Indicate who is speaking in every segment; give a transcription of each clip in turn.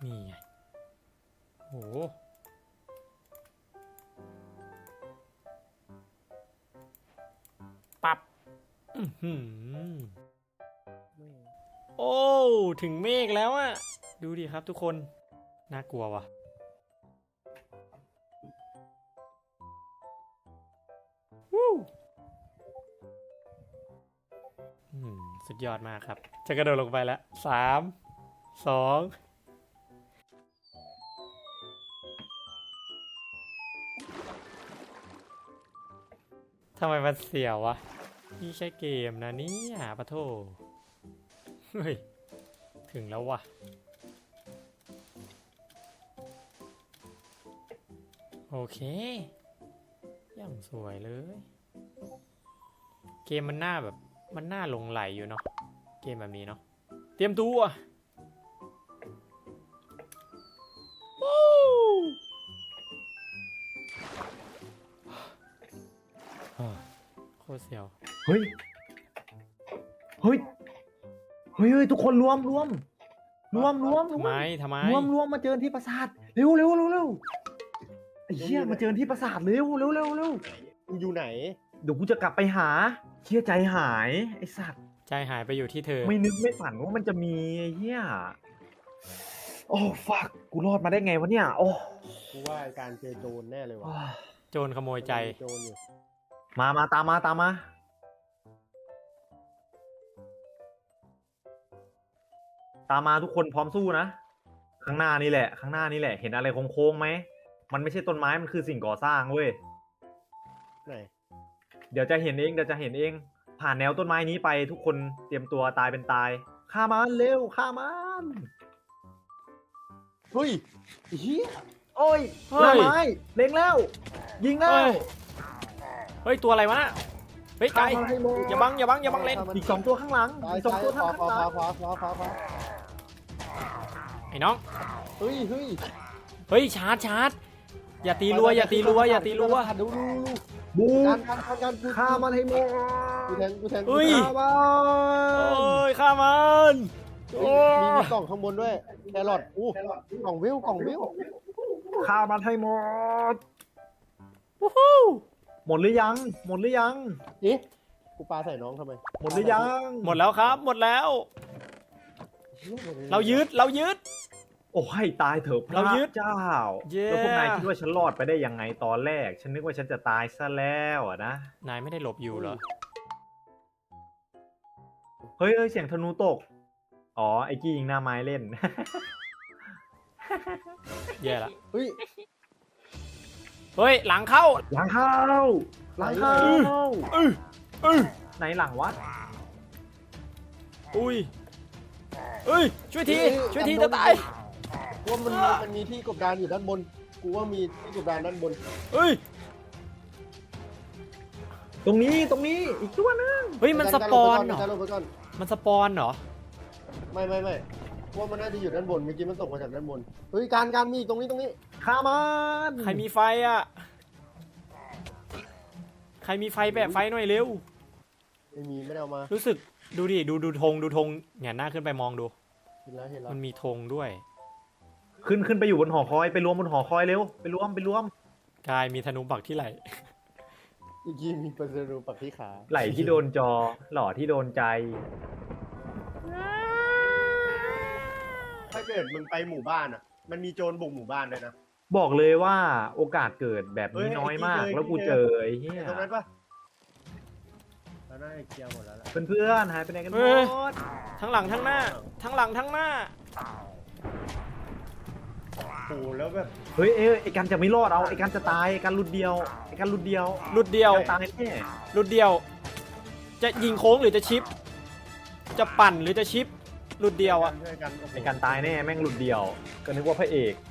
Speaker 1: นี่ไงโหปับโอ้ถึงเมฆแล้วอะดูดิครับทุกคนน่ากลัวว่ะสุดยอดมากครับจะกระโดดลงไปแล้ว3 2ทำไมมันเสียววะนี่ใช่เกมนะเนี่ยปะโถเฮ้ยถึงแล้ววะโอเคอย่างสวยเลยเกมมันน่าแบบมันน่าหลงไหลอยู่เนาะเกมแบบนี้เนาะเตรียมตัวโคตรเสียว
Speaker 2: เฮ้ยทุกคนรวม
Speaker 1: ทำไม
Speaker 2: มาเจอที่ปราสาทเร็วไอ้เหี้ยมาเจอที่ปราสาทเร็ว
Speaker 3: อยู่ไหน
Speaker 2: เดี๋ยวกูจะกลับไปหาเชี่ยใจหายไอ้สัตว์
Speaker 1: ใจหายไปอยู่ที่เธอ
Speaker 2: ไม่นึกไม่ฝันว่ามันจะมีไอ้เหี้ยโอ้ฟักกูรอดมาได้ไงวะเนี่ยโอ้
Speaker 3: กูว่าการเจอโจรแน่เลยวะ
Speaker 1: โจรขโมยใจ
Speaker 3: โจรอยู่
Speaker 2: มาตามมาทุกคนพร้อมสู้นะข้างหน้านี่แหละเห็นอะไรโค้งๆไหมมันไม่ใช่ต้นไม้มันคือสิ่งก่อสร้างเว้ย
Speaker 3: ไหน
Speaker 2: เดี๋ยวจะเห็นเองผ่านแนวต้นไม้นี้ไปทุกคนเตรียมตัวตายเป็นตายฆ่ามันเร็วฆ่ามัน
Speaker 3: เฮ้ยเฮีย
Speaker 2: โอ้ยหน้าไม้เล็งแล้วยิงแล้ว
Speaker 1: เฮ้ยตัวอะไรวะเฮ้ยไก่อย่าบังเล่น
Speaker 2: อีก2ตัวข้างหลังอีก2ตัวข้างหลัง
Speaker 1: ไอ้น้อง
Speaker 3: เ
Speaker 1: ฮ้ยชาร์จอย่าตีรัว
Speaker 3: ดู
Speaker 2: บู
Speaker 3: การ
Speaker 2: ฆ่ามันให้หมด
Speaker 3: กูแทง
Speaker 1: ฆ่ามัน
Speaker 3: มีกล่องข้างบนด้วยแครอทกล่องวิว
Speaker 2: ฆ่ามันให้หมดหมดหรือยัง
Speaker 3: เอ๊ะกูปาใส่น้องทำไม
Speaker 2: หมดหรือยัง
Speaker 1: หมดแล้วครับหมดแล้วเรายึด
Speaker 2: โอ้ให้ตายเถอะพระเจ้าแล้วพวกนายคิดว่าฉันรอดไปได้ยังไงตอนแรกฉันนึกว่าฉันจะตายซะแล้วนะ
Speaker 1: นายไม่ได้หลบอยู่เหรอ
Speaker 2: เฮ้ยเสียงธนูตกอ๋อไอ้กี้ยิงหน้าไม้เล่น
Speaker 1: แย่ละ
Speaker 3: เฮ้
Speaker 1: ยหลังเข้า
Speaker 2: ไหนหลังวะ
Speaker 1: ช่วยทีจะตาย
Speaker 3: ว่ามันมีที่กบดานอยู่ด้านบนกูว่ามีที่กบดานด้านบน
Speaker 2: ตรงนี้อีกตัวนึง
Speaker 1: มันสปอนเหรอมันสปอนเหรอ
Speaker 3: ไม่ว่ามันน่าจะอยู่ด้านบนเมื่อกี้มันตกมาจากด้านบนเฮ้ยการมีตรงนี้
Speaker 2: ฆ่ามัน
Speaker 1: ใครมีไฟอ่ะใครมีไฟแปะไฟหน่อยเร็ว
Speaker 3: ไม่ได้เอามา
Speaker 1: รู้สึกดูดิดูธงแหงนหน้าขึ้นไปมองดู
Speaker 3: เห็นแล้ว
Speaker 1: มันมีธงด้วย
Speaker 2: ขึ้นไปอยู่บนหอคอยไปรวมบนหอคอยเร็วไปรวม
Speaker 1: กายมีธนูปักที่ไหล่
Speaker 3: อีกทีมีธนูปักที่ขา
Speaker 2: ไหล่ที่โดนจอหล่อที่โดนใจ
Speaker 3: ถ้าเกิดมึงไปหมู่บ้านอ่ะมันมีโจรบุกหมู่บ้านเลยนะ
Speaker 2: บอกเลยว่าโอกาสเกิดแบบนี้น้อยมากแล้วกูเจอไอ้เหี้ย
Speaker 3: ตรงนั้นปะแล้วน่าจะเคลียร์หมดแล้วล่ะ
Speaker 2: เพื่อนหายไปไหนกันหมด
Speaker 1: ทั้งหลังทั้งหน้า
Speaker 3: โอ้แล้วแบบ
Speaker 2: เฮ้ยไอ้กันจะไม่รอดเอาไอ้กันจะตายไอ้กันหลุดเดียวตายแน่
Speaker 1: หลุดเดียวจะยิงโค้งหรือจะชิปจะปั่นหรือจะชิปหลุดเดียวอ่ะ
Speaker 2: ไอ้กันตายแน่แม่งหลุดเดียวก็นึกว่าพระเอก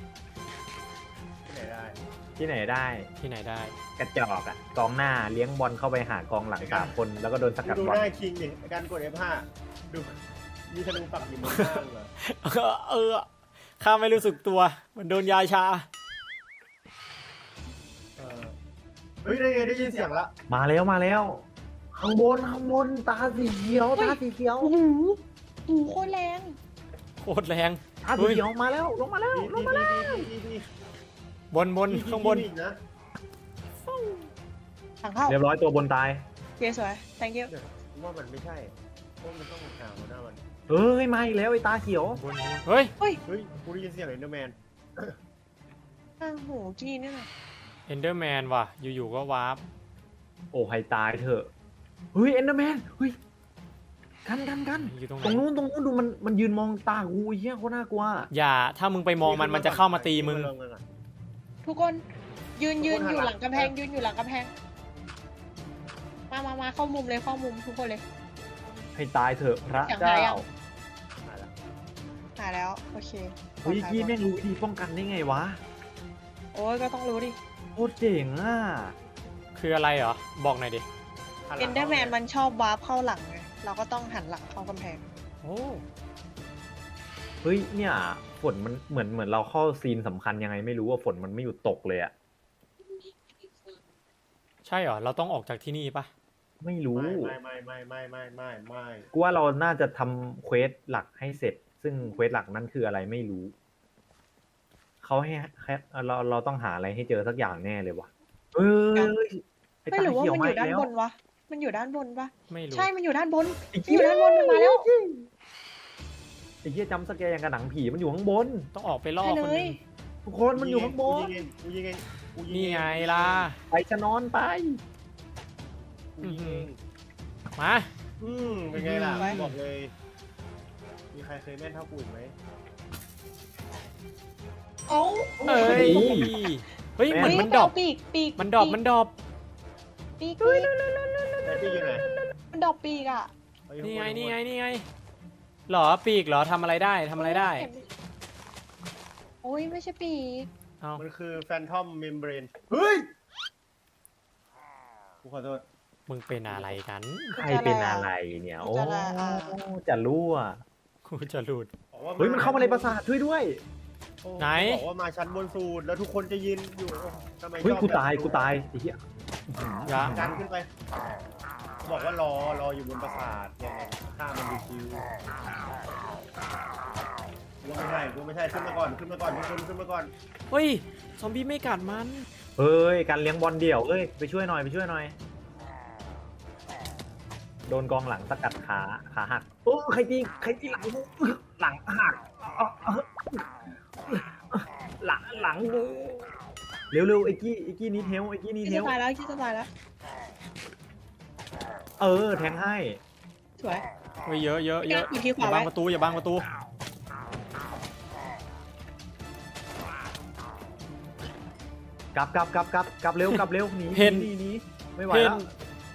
Speaker 2: ที่ไหนได้กระจอกอ่ะกองหน้าเลี้ยงบอลเข้าไปหากองหลัง3 คนแล้วก็โดนสกัดบอล
Speaker 3: ดูหน้าคิงดิการกด F5 ดูมีธนูปักอยู่บนข้างเหรอ
Speaker 1: ข้าไม่รู้สึกตัวมันโดนยาชา
Speaker 3: เฮ้ยได้ยินเสียงละ
Speaker 2: มาแล้วข้างบนตาสีเขียว
Speaker 4: โอ้โหโคตรแรง
Speaker 1: โคตรแรง
Speaker 2: ตัวเขียวมาแล้วลงมาแล้ว
Speaker 3: ดี
Speaker 1: บนข้างบน
Speaker 3: อีกนะ
Speaker 4: ถังเข้า
Speaker 2: เรียบร้อยตัวบนตาย
Speaker 4: โอเคสวย thank you
Speaker 3: ว่ามันไม่ใช่เพราะมันต้องหาหัวหน้ามัน
Speaker 2: เฮ้ยมาอีกแล้วไอ้ตาเขียว
Speaker 1: เฮ้ย
Speaker 3: เฮ้ยกูได้ยินเสียงเอ็นเดอร์แมน
Speaker 4: ข้างหูกี้นี่แหละ
Speaker 1: เอนเดอร์แมนว่ะ อยู่ๆก็วาร์ป
Speaker 2: โอ้ให้ตายเถอะเฮ้ยเอนเดอร์แมนเฮ้ยกัน
Speaker 1: อยู่ตรงไห
Speaker 2: ต
Speaker 1: น
Speaker 2: รงนู้นดูมันยืนมองตากูไอ้เหี้ยโคตรน่ากลัว
Speaker 1: อย่าถ้ามึงไปมองมันจะเข้ามาตีมึง
Speaker 4: ทุกคนยืนอยู่หลังกำแพงยืนอยู่หลังกำแพงมาเข้ามุมเลยเข้ามุมทุกคนเลย
Speaker 2: ให้ตายเถอะพระ
Speaker 4: อยาก
Speaker 2: เจ้า
Speaker 4: หายัง หาแล้วโอเค
Speaker 2: เฮ้ยกี้แม่งรู้วิธีป้องกันได้ไงวะ
Speaker 4: โอ้ยก็ต้องรู้ดิ
Speaker 2: โคตรเจ๋งอ่ะ
Speaker 1: คืออะไรเหรอ บอกหน่อยดิ
Speaker 4: เอนเดอร์แมนมันชอบวาร์ปเข้าหลังไงเราก็ต้องหันหลังเข้ากำแพง
Speaker 1: โอ้
Speaker 2: เฮ้ยเนี่ยฝนมันเหมือนเราเข้าซีนสำคัญยังไงไม่รู้ว่าฝนมันไม่หยุดตกเลยอะ
Speaker 1: ใช่เหรอ เราต้องออกจากที่นี่ปะ
Speaker 2: ไม่รู้
Speaker 3: ไม่
Speaker 2: กูว่าเราน่าจะทำเควสหลักให้เสร็จ ซึ่งเควสหลักนั้นคืออะไรไม่รู้เขาให้เราต้องหาอะไรให้เจอสักอย่างแน่เลยวะไอ้
Speaker 4: ไม่
Speaker 2: ตา
Speaker 4: หรือว่า
Speaker 2: เขียว
Speaker 4: มัน
Speaker 2: มา
Speaker 4: อยู่
Speaker 2: อีก
Speaker 4: ด้าน
Speaker 2: แล้ว
Speaker 4: บนวะมันอยู่ด้านบนปะ
Speaker 1: ไม่รู้
Speaker 4: ใช่มันอยู่ด้านบน
Speaker 2: ไอ้
Speaker 4: มันอยู่ด้านบนมันมาแล้ว
Speaker 2: ไอ้เหี้ยจำสแกร์อย่างกับหนังผีมันอยู่ข้างบน
Speaker 1: ต้องออกไปล่อ
Speaker 4: ใช่
Speaker 1: คน
Speaker 4: เล
Speaker 1: หนึ
Speaker 4: ย
Speaker 1: ง
Speaker 2: ทุกคนมันอยู่ข้างบน
Speaker 3: กูยิงเอง
Speaker 1: นี่ไงล่ะ
Speaker 2: ไปจะนอนไป
Speaker 3: กูยิงเอง
Speaker 1: มา
Speaker 3: เป็นไงล่ะบอกเลย มีใครเคยแม่นเท่ากูอีกไหม
Speaker 4: เอ้า
Speaker 1: เอ้ย เฮ้ย เหมือนมันดรอป
Speaker 4: ปีก
Speaker 1: มันดรอป มันดรอป
Speaker 4: ปีก
Speaker 3: แต่ที่อยู่ไหน
Speaker 4: มันดรอปปีกอ่ะ
Speaker 1: นี่ไง หรอ ปีกเหรอ ทำอะไรได้
Speaker 4: โอ้ยไม่ใช่ปีก
Speaker 1: เอา
Speaker 3: มันคือแฟนทอมเมมเบรนเฮ้ยกูขอโทษ
Speaker 1: มึงเป็นอะไรกัน
Speaker 2: ใครเป็นอะไรเนี่ย โอ้
Speaker 4: จะละอ่า
Speaker 2: จะรั่ว
Speaker 1: กูจะหลุด
Speaker 2: เฮ้ยมันเข้ามาในปราสาทช่วยด้วย
Speaker 1: ไหน
Speaker 3: บอกว่ามาชั้นบนสุดแล้วทุกคนจะยืนอยู่ทำไม
Speaker 2: เฮ้ย
Speaker 3: ชอบ
Speaker 2: กูตายไอ้เหี้ย
Speaker 1: อย่า
Speaker 3: ดันขึ้นไป บอกว่ารออยู่บนปราสาทยังไงฆ่ามันดูคิวกูไม่ใช่ขึ้นมาก่อนทุกคนขึ้นมาก่อน
Speaker 1: เฮ้ย ซอมบี้ไม่กัดมัน
Speaker 2: เฮ้ยการเลี้ยงบอลเดี่ยวเอ้ยไปช่วยหน่อยโดนกองหลังสกัดขาหักโอ้ใครตีหลังหักหลังกูเร็วไอ้กี้นี้เทล
Speaker 4: คิดจะตายแล้ว
Speaker 2: แทงให้
Speaker 4: สวย
Speaker 1: เฮ้ย เยอะ
Speaker 4: อยู่ที่ข
Speaker 1: อย่าว
Speaker 4: า
Speaker 1: บัง
Speaker 4: ไว้
Speaker 1: ประตู อย่าบังประตู
Speaker 2: กลับเร็วหนี
Speaker 1: เห็น
Speaker 2: หนีไม่ไหว
Speaker 1: เห็น
Speaker 2: แล้ว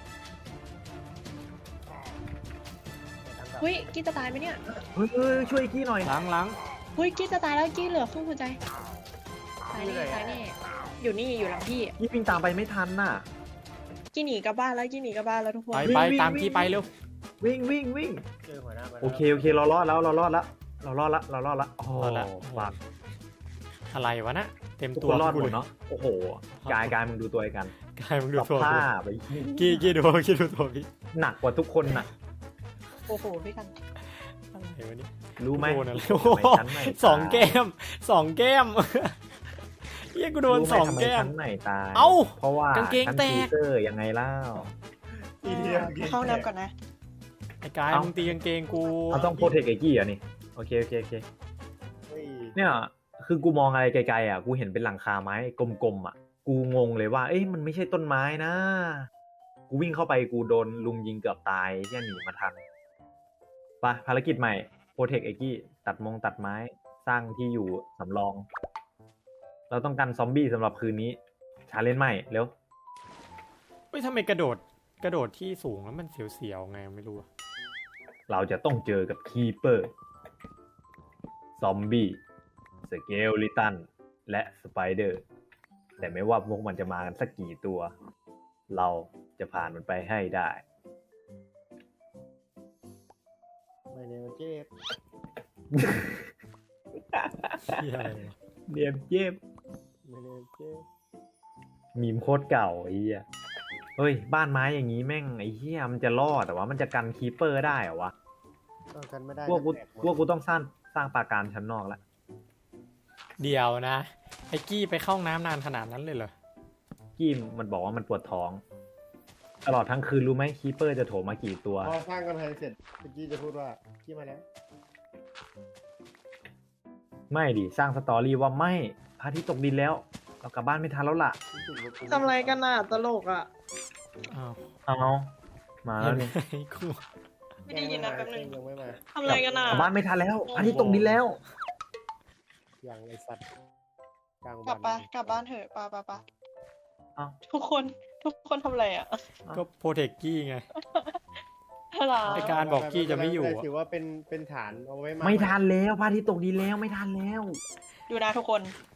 Speaker 4: เฮ้ยกี้จะตายไหมเนี่ย
Speaker 2: เฮ้ยช่วยกี้หน่อย
Speaker 1: หลัง
Speaker 4: เฮ้ยกี้จะตายแล้วกี้เหลือครึ่งหัวใจตายแน่อยู่นี่อยู่หลังพี่
Speaker 2: กี้วิ่งตามไปไม่ทันน่ะ
Speaker 4: กี้หนีกลับบ้านแล้วทุกคน
Speaker 1: ไปตามกี้ไปเร็ว
Speaker 2: วิ่ง
Speaker 3: เจอหัวหน้ามัน
Speaker 2: โอเคเรารอดแล้วโอ้
Speaker 1: รอดละ
Speaker 2: ฝาก
Speaker 1: อะไรวะนะ เต็ม
Speaker 2: ทุก
Speaker 1: ตั
Speaker 2: คว นรอดหมด
Speaker 1: กูลย
Speaker 2: เนาะโอ้โหกายมึงดูตัวไอ้กัน
Speaker 1: กายมึงดูตัว
Speaker 2: ผ้า
Speaker 1: กู
Speaker 2: ไป
Speaker 1: กี้ดูตัวพี่
Speaker 2: หนักกว่าทุกคนน่ะ
Speaker 4: โอ้โหพี่กัน
Speaker 1: อะไรวะเนี่ย
Speaker 2: รู้ไหม
Speaker 1: โดนอะไร
Speaker 2: ทำไมชั้นไหน
Speaker 1: สองแก้มเฮียกูโดน
Speaker 2: รู้ไห
Speaker 1: สองแก้ม
Speaker 2: ทำไชั้นไหนตาย
Speaker 1: เอ้า
Speaker 2: เพราะว่าก
Speaker 1: างเกง
Speaker 2: ชั้น
Speaker 1: แตก
Speaker 2: ฟีเซอร์ยังไงเล่า
Speaker 3: อีเดีย
Speaker 4: เข้าน้ำก่อนนะ
Speaker 1: ไอ้กาย
Speaker 2: เอ้ามึ
Speaker 1: มึงตีกางเกงกู
Speaker 2: เราต้องโปรเทคไอ้กี้อ่ะนี่โอเค
Speaker 3: เฮ้ย
Speaker 2: เนี่ยคือกูมองอะไรไกลๆอ่ะกูเห็นเป็นหลังคาไม้กลมๆอ่ะกูงงเลยว่าเอ้ยมันไม่ใช่ต้นไม้นะกูวิ่งเข้าไปกูโดนลุมยิงเกือบตายที่หนีมาทันไปภารกิจใหม่โปรเทคไอ้กี้ตัดไม้สร้างที่อยู่สำรอง เราต้องการซอมบี้สำหรับคืนนี้ชาเลนจ์ใหม่เร็ว
Speaker 1: เฮ้ยทำไมกระโดดที่สูงแล้วมันเสียวๆไงไม่รู้อะ
Speaker 2: เราจะต้องเจอกับคีเปอร์ซอมบี้สเกลลิตันและสไปเดอร์แต่ไม่ว่าพวกมันจะมากันสักกี่ตัว เราจะผ่านมันไปให้ได้
Speaker 3: ไม่เนี่ยมันเจ็บ
Speaker 1: เหี้ยอะไรวะ
Speaker 2: เนียมเย็บ
Speaker 3: ไม่เนี่ยเจ็บ
Speaker 2: มีมโคตรเก่าไอ้เหี้ยเฮ้ยบ้านไม้อย่างนี้แม่งไอ้เหี้ยมันจะรอดแต่ว่ามันจะกันคีเปอร์ได้เหรอวะ
Speaker 3: ต้องกันไม่ได้
Speaker 2: พวกกูต้องสร้างปราการชั้นนอกแล้ว
Speaker 1: เดี๋ยวนะไอ้กี้ไปเข้าห้องน้ำนานขนาดนั้นเลยเหรอ
Speaker 2: กี้มันบอกว่ามันปวดท้อง ตลอดทั้งคืนรู้ไหมคีเปอร์จะโถมมากี่ตัว
Speaker 3: พอสร้างกำแพงเสร็จเมื่อกี้จะพูดว่าพี่มาแล้ว
Speaker 2: ไม่ดิสร้างสตอรี่ว่าไม่พระอาทิตย์ตกดินแล้ว เรากลับบ้านไม่ทันแล้วล่ะ
Speaker 5: ทำอะไรกันน่ะตลกอ่ะ
Speaker 1: อ้าว
Speaker 2: เอามาแล้วนี่
Speaker 1: กู
Speaker 5: ไม่ได้ยินนะแป๊บนึง
Speaker 3: ยังไม่มา
Speaker 5: ทำอะไรกันน่ะ
Speaker 2: กลับบ้านไม่ทันแล้วพระอาทิตย์ตกดินแล้ว
Speaker 3: ยังไอสัตว์กลาง
Speaker 5: กลับ
Speaker 3: วั
Speaker 5: ปะ
Speaker 3: น
Speaker 5: กลับบ้านเถอะปะปะปะ
Speaker 2: เอ้า
Speaker 5: ทุกคนทำอะไรอ่ะ
Speaker 1: ก็โปรเทคกี้ไง
Speaker 5: อะไร
Speaker 1: ไอ้การบอกกี้จะไม่อยู่อะ
Speaker 3: ถือว่าเป็นฐานเอาไว้มา
Speaker 2: ไม่ทันแล้วพระอาทิตย์ตกดินแล้วไม่ทันแล้ว
Speaker 5: ดูนะทุกคน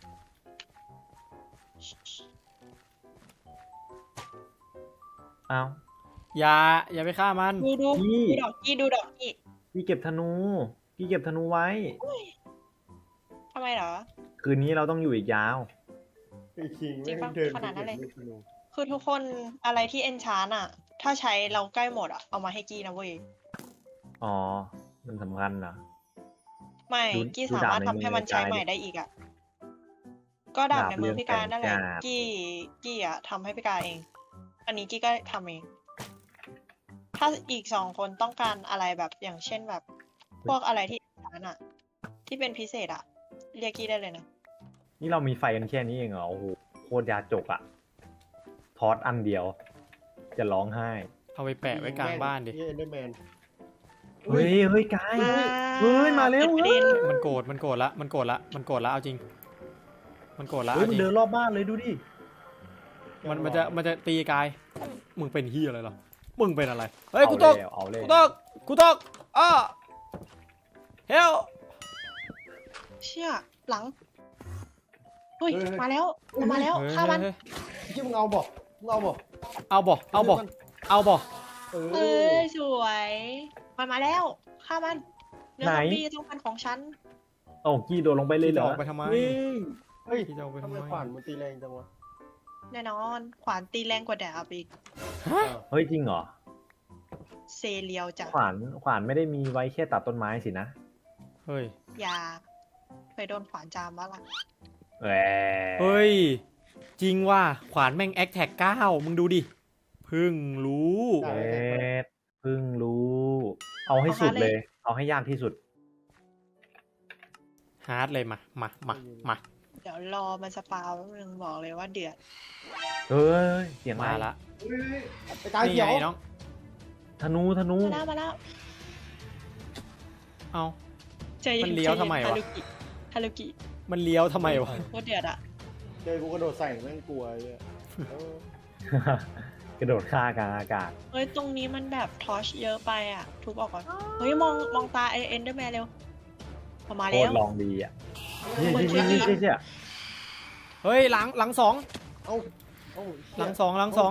Speaker 2: เอา
Speaker 1: อย่าไปฆ่ามัน
Speaker 5: ดู
Speaker 2: พี่
Speaker 5: ดูดอกกี้ดูดอกกี้
Speaker 2: พี่เก็บธนูพี่เก็บธนูไว้
Speaker 5: ทำไมเหรอ
Speaker 2: คืนนี้เราต้องอยู่อีกยาว
Speaker 3: ไอ้คิง
Speaker 5: จริงปะ
Speaker 3: ไม่เดิน
Speaker 5: ขนาดนั้นเลย
Speaker 3: ไปก็บลูกธนู
Speaker 5: คือทุกคนอะไรที่เอนชานอ่ะ ถ้าใช้เราใกล้หมดอ่ะเอามาให้กี้นะเว้ย
Speaker 2: อ๋อ มันสำคัญนะ
Speaker 5: ไม่
Speaker 2: ดู
Speaker 5: กี้
Speaker 2: ดู
Speaker 5: สามารถ
Speaker 2: ดาบใน
Speaker 5: ทำให้มันใช้
Speaker 2: มือ
Speaker 5: ใหม่ได้อีกอ่ะก็ดาบในมือ
Speaker 2: ดาบเรือง
Speaker 5: พี่การนั่นแหละ
Speaker 2: แสงจ้า
Speaker 5: กี้อ่ะทำให้พี่การเอง อันนี้กี้ก็ทำเอง ถ้าอีก2 คนต้องการอะไรแบบอย่างเช่นแบบ พวกอะไรที่ร้านอ่ะ ที่เป็นพิเศษอ่ะ เรียกกี้ได้เลยนะ
Speaker 2: นี่เรามีไฟกันแค่นี้เองเหรอ โอ้โห โคตรยาจกอะทอสอันเดียว จะร้องไห้
Speaker 1: เอาไปแปะไว้กลางบ้านดิ
Speaker 3: เอ็นเดอร์แมน
Speaker 2: เฮ้ย เฮ้ยกายเฮ้ย มาเร็ว
Speaker 5: ปิดประ
Speaker 2: เฮ้
Speaker 5: เด็
Speaker 2: ย
Speaker 5: น
Speaker 1: มันโกรธละมันโกรธละเอาจริง มันโกรธละ
Speaker 2: เฮ้ย
Speaker 1: เอา
Speaker 2: มั
Speaker 1: จ
Speaker 2: น
Speaker 1: ริง
Speaker 2: เดินรอบบ้านเลยดูดิ
Speaker 1: มันจะตีกาย มึงเป็นเฮียอะไรเหรอ มึงเป็นอะไร เฮ้ย
Speaker 2: เอา
Speaker 1: กูตก
Speaker 2: แล้วเอาเลย
Speaker 1: กูตกอ้าเฮล
Speaker 5: เชี่ยหลังเฮ้ยมาแล้วมาแล้วฆ่ามัน
Speaker 3: ที่มึงเอาบอกมึงเอาบอก
Speaker 1: เอาบ่
Speaker 5: เอ้ยสวยมันมาแล้วฆ่ามันเนื้อซอมบี้ต้องเป็นของฉัน
Speaker 2: โอ้กี้โดดลงไปเลยเหรอ
Speaker 1: จะออกไปทำไม
Speaker 2: เฮ้ย
Speaker 3: เฮ้ย
Speaker 1: ที่จะเอาไป
Speaker 3: ทำ
Speaker 1: ทำ
Speaker 3: ไม
Speaker 1: ไม
Speaker 3: ขวานมันตีแรงจังวะ
Speaker 5: แน่นอนขวานตีแรงกว่าดาบอีก
Speaker 3: อ้าว
Speaker 2: เฮ้ยจริงเหรอ
Speaker 5: เซเรียวจ้ะ
Speaker 2: ขวานไม่ได้มีไว้แค่ตัดต้นไม้สินะ
Speaker 1: เฮ้ย
Speaker 5: อย่าเคยโดนขวานจามบ้าล่ะ
Speaker 2: แหม
Speaker 1: เฮ้ย จริงว่าขวานแม่งแอคแท็ก9มึงดูดิ เพึ่งรู้
Speaker 2: เอ็ดเพิ่งรู้ เอาให้สุดเลย เอาให้ยากที่สุด
Speaker 1: ฮาร์ดเลยมา
Speaker 5: เดี๋ยวรอมันสปาวแป๊บนึงบอกเลยว่าเดือด
Speaker 2: เฮ้ย เสียง
Speaker 1: มา
Speaker 2: อะไร
Speaker 1: ละ
Speaker 3: เฮ้ยไปกลาง
Speaker 1: นี่
Speaker 3: เขียว
Speaker 1: ไงน้อง
Speaker 2: ธนู
Speaker 5: มาแล้ว
Speaker 1: เอา
Speaker 5: ใจเย็
Speaker 1: มันเลี้ยวทำไมวะ
Speaker 5: ฮารุกิ
Speaker 1: มันเลี้ยวทำไมวะ
Speaker 5: โคตรเดือดอ่ะ
Speaker 3: เจอกูกระโดดใส่แม่งกลัวไอ้เนี่ยเออก
Speaker 2: ระโดดฆ่ากลางอากาศ
Speaker 5: เฮ้ยตรงนี้มันแบบทอชเยอะไปอ่ะทุบออกก่อนเฮ้ยมองตาเอ็นเดอร์แมนเร็วออกมา
Speaker 2: โค
Speaker 5: แล้
Speaker 2: ต
Speaker 5: ว
Speaker 2: รลองดีอ่ะ
Speaker 5: เหมือน
Speaker 2: เชี่ย
Speaker 1: เฮ้ยหลังสอง
Speaker 3: เอ้าเอ้า
Speaker 1: หลังสอง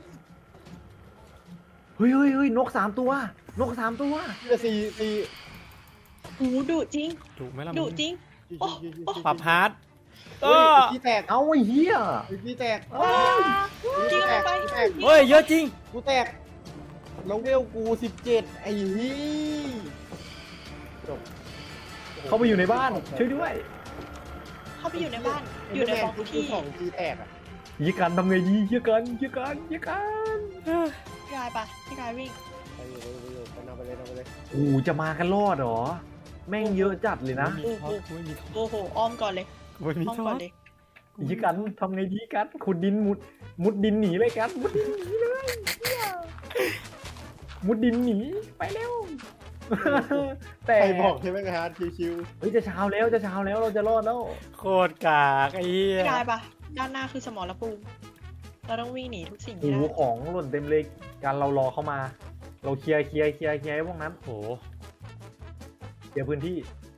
Speaker 2: เฮ้ยนก3 ตัว นก3 ตัว
Speaker 3: เดี๋ยวสี่
Speaker 5: โอ้โหดุจริง
Speaker 1: ถูกไหมล่ะ
Speaker 5: ดุ
Speaker 1: มึง
Speaker 5: จริง
Speaker 3: โอ้
Speaker 1: ปรับฮาร์ด
Speaker 3: เฮ้ยไอ้ขี้แตก
Speaker 2: เอาไอ้เหี้ย
Speaker 3: ไอ้ขี้แตก
Speaker 5: กิ้งลงไป
Speaker 3: แตก
Speaker 1: เฮ้ยเยอะจริง
Speaker 3: กูแตกแล้วเวลกู17ไอ้ฮี่จบ
Speaker 2: เข้าไปอยู่ในบ้าน ช่วยด้วย
Speaker 5: เข้าไปอยู่ในบ้าน อยู่ในบล็อก
Speaker 3: กู
Speaker 5: ที่
Speaker 3: สองทีแตกอ่ะ
Speaker 2: ยี่กันทำไงดียี่กัน
Speaker 5: พี่กายปะพี่กายวิ่ง
Speaker 3: ไปอยู่ไปนำไปเลย
Speaker 2: โอ้จะมากันรอดเหรอ แม่งเยอะจัดเลยนะ
Speaker 1: ไม่มีทอ
Speaker 5: โอ้โหอ้อมก่อนเลย
Speaker 1: ไม่มี
Speaker 5: อ้อม
Speaker 1: ทอ
Speaker 5: ก่อนเลย
Speaker 2: ยี่กันทำไงดีกันขุดดินมุดดินหนีเลยกันมุดดินหนีเลยเหี้ยมุดดินหนีไปเร็ว แต่
Speaker 3: ใครบอกใช่ไหมครับชิว
Speaker 2: เฮ้ยจะเช้าแล้วเราจะรอดแล้ว
Speaker 1: โคตรกากไอ้เหี้ย
Speaker 5: พี่กายปะด้านหน้าคือสมรภูมิเราต้องวิ่งหนีทุกสิ่ง
Speaker 2: โอ้
Speaker 5: ที่
Speaker 2: โห
Speaker 5: ได้
Speaker 2: ของหล่นเต็มเลยการเรารอเข้ามา เราเคลียร์ให้พวกนั้น
Speaker 1: โอ้โห
Speaker 2: เคลียร์พื้นที่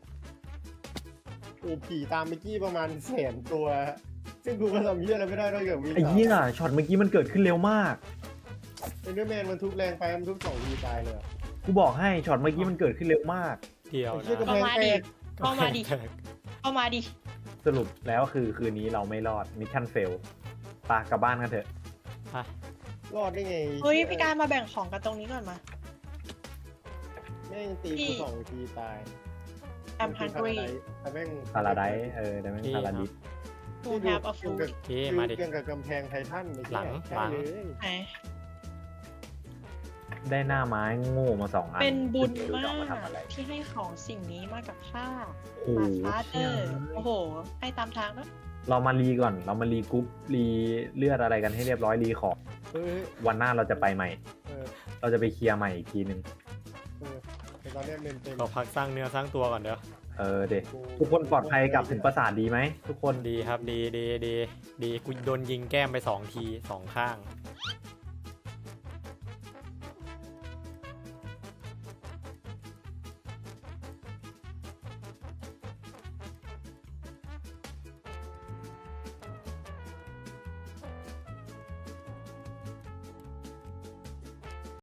Speaker 3: ๆโอ้ผีตามเมื่อกี้ประมาณ100,000 ตัว ซึ่งกูก็ทำเหี้ยอะไรไม่ได้นอกจากวิ่ง
Speaker 2: ไอ้เหี้ยช็อตเมื่อกี้มันเกิดขึ้นเร็วมาก
Speaker 3: เอ็นเดอร์แมนมันทุบแรงไปมันทุบ2 ทีตายเลยอะ
Speaker 2: กูบอกให้ช็อตเมื่อกี้มันเกิดขึ้นเร็วมาก
Speaker 1: เดียว
Speaker 3: ไอ้เหี้ย
Speaker 1: นะ
Speaker 3: กำแพงแตก
Speaker 5: เข้ามาดิ เข้ามาดิ
Speaker 2: สรุปแล้วคือคืนนี้เราไม่รอดมิชชั่นเฟลปากลับบ้านกันเถอะ
Speaker 3: รอดได้ไง
Speaker 5: เฮ้ยพี่กายมาแบ่งของกันตรงนี้ก่อนมา
Speaker 3: แม่งตี
Speaker 5: พี่
Speaker 3: กู2 ทีตาย
Speaker 5: I'm hungry
Speaker 3: แต่แม่ง
Speaker 2: พาราไดซ์แต่ไม่พาราดิส
Speaker 5: to have a food
Speaker 1: โอเคมาดิ
Speaker 3: เกี่ยวกับกำแพงไททันไอ้เย
Speaker 1: หลัง
Speaker 3: ใช่
Speaker 1: หลัง
Speaker 3: เลย
Speaker 5: ไหน
Speaker 2: ได้หน้าไม้โง่มา2 อัน
Speaker 5: เป็นบุญ
Speaker 2: ไรู้
Speaker 5: มา
Speaker 2: จะเอทำอะไร
Speaker 5: กที่ให้ของสิ่งนี้มากับข้า
Speaker 2: โอ้โห
Speaker 5: มาฟาเตอร์โอ้โห ให้ตามทางเนอะ
Speaker 2: เรามารีก่อน เรามารีกรุ๊ปรีเลือดอะไรกันให้เรียบร้อยรีของ
Speaker 3: เฮ้ย
Speaker 2: วันหน้าเราจะไปใหม่
Speaker 3: เออ
Speaker 2: เราจะไปเคลียร์ใหม่อีกทีนึง
Speaker 3: เออแต่ตอนเนี้ยเมนเต็ม
Speaker 1: เราพักสร้างเนื้อสร้างตัวก่อนเด้อ
Speaker 2: เด็กทุกคนปลอดภัยกลับถึงปราสาทดีไหมทุกคน
Speaker 1: ดีครับดีกูโดนยิงแก้มไป2 ที 2 ข้าง